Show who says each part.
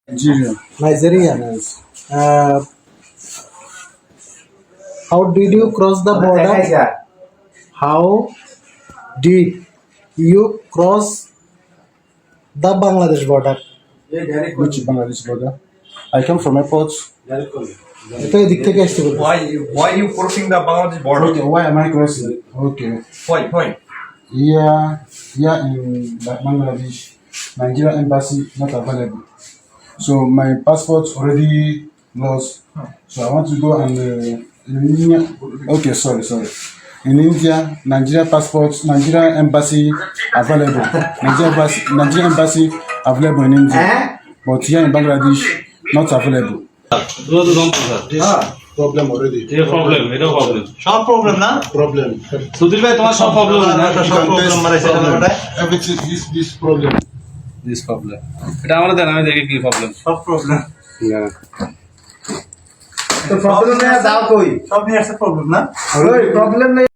Speaker 1: Nigeria.
Speaker 2: Nigeria.
Speaker 1: Yes.
Speaker 2: How did you cross the border? How did you cross the Bangladesh border?
Speaker 1: Which Bangladesh border? I come from airport.
Speaker 2: এটা এদিক থেকে আসতে বলবো।
Speaker 3: Why you crossing the Bangladesh border?
Speaker 1: Okay, why am I crossing? Okay.
Speaker 3: Why?
Speaker 1: Here in Bangladesh, Nigeria embassy not available. So my passport already lost. So I want to go and in India. Okay, sorry. In India, Nigeria embassy available. Nigeria embassy available in India, but here in Bangladesh not available. Problem already.
Speaker 4: এটাও problem
Speaker 3: সব problem না
Speaker 1: Problem.
Speaker 4: Sudhir ভাই তোমার সব problem
Speaker 3: সব problem মারাইছে
Speaker 1: Everything this problem.
Speaker 4: This problem এটা আমরা দেন আমি দেখি কি প্রবলেম
Speaker 3: সব প্রবলেম
Speaker 1: Yeah.
Speaker 3: তো প্রবলেম নিয়ে যাও কই সব নিয়ে আসছে প্রবলেম না
Speaker 2: প্রবলেম